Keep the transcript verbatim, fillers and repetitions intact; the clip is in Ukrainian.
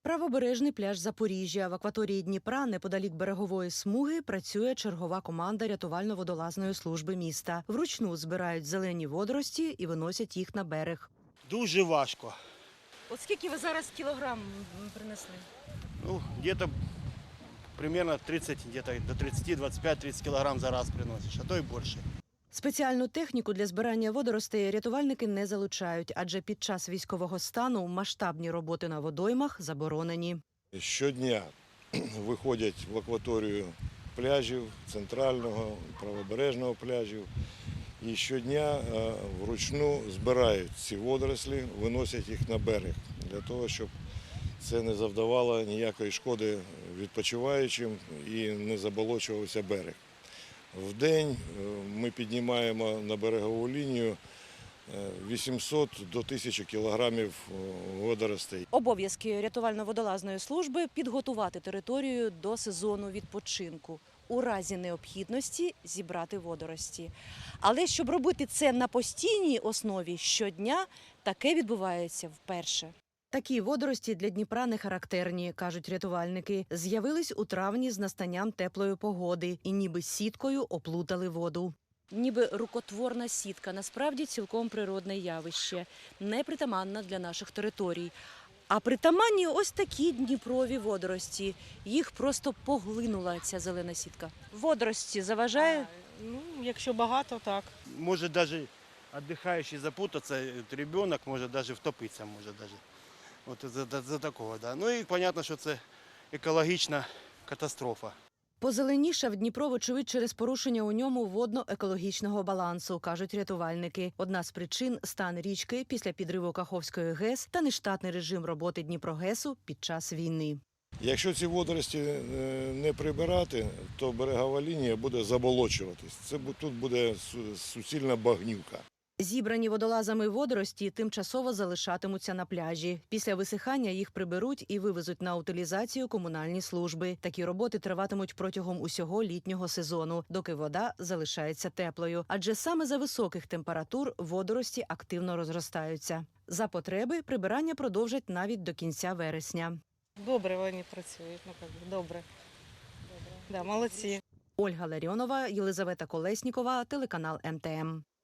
Правобережний пляж Запоріжжя. В акваторії Дніпра, неподалік берегової смуги, працює чергова команда рятувально-водолазної служби міста. Вручну збирають зелені водорості і виносять їх на берег. Дуже важко. От скільки ви зараз кілограм принесли? Ну, где-то примерно тридцать, где-то до тридцати, двадцать пять тридцать килограмм за раз приносишь, а то и больше. Спеціальну техніку для збирання водоростей рятувальники не залучають, адже під час військового стану масштабні роботи на водоймах заборонені. Щодня виходять в акваторію пляжів, центрального, правобережного пляжів. І щодня е, вручну збирають ці водорослі, виносять їх на берег, для того, щоб це не завдавало ніякої шкоди відпочиваючим і не заболочувався берег. В день ми піднімаємо на берегову лінію вісімсот до тисячі кілограмів водоростей. Обов'язки рятувально-водолазної служби – підготувати територію до сезону відпочинку. У разі необхідності зібрати водорості. Але щоб робити це на постійній основі щодня, таке відбувається вперше. Такі водорості для Дніпра не характерні, кажуть рятувальники. З'явились у травні з настанням теплої погоди і ніби сіткою оплутали воду. Ніби рукотворна сітка, насправді цілком природне явище, непритаманна для наших територій. А притаманні ось такі дніпрові водорості. Їх просто поглинула ця зелена сітка. Водорості заважає? Ну, якщо багато, так. Может даже отдыхающий запутаться, ребенок может даже втопиться, может даже. Вот за, за такого, да. Ну і понятно, що це екологічна катастрофа. Позеленішав Дніпро, вочевидь, через порушення у ньому водно-екологічного балансу, кажуть рятувальники. Одна з причин – стан річки після підриву Каховської ГЕС та нештатний режим роботи Дніпрогесу під час війни. Якщо ці водорості не прибирати, то берегова лінія буде заболочуватись. Це тут буде суцільна багнюка. Зібрані водолазами водорості тимчасово залишатимуться на пляжі. Після висихання їх приберуть і вивезуть на утилізацію комунальні служби. Такі роботи триватимуть протягом усього літнього сезону, доки вода залишається теплою. Адже саме за високих температур водорості активно розростаються. За потреби прибирання продовжать навіть до кінця вересня. Добре вони працюють, ну, як би, добре. Добре. Да, молодці. Ольга Ларіонова, Єлизавета Колеснікова, телеканал ем те ем.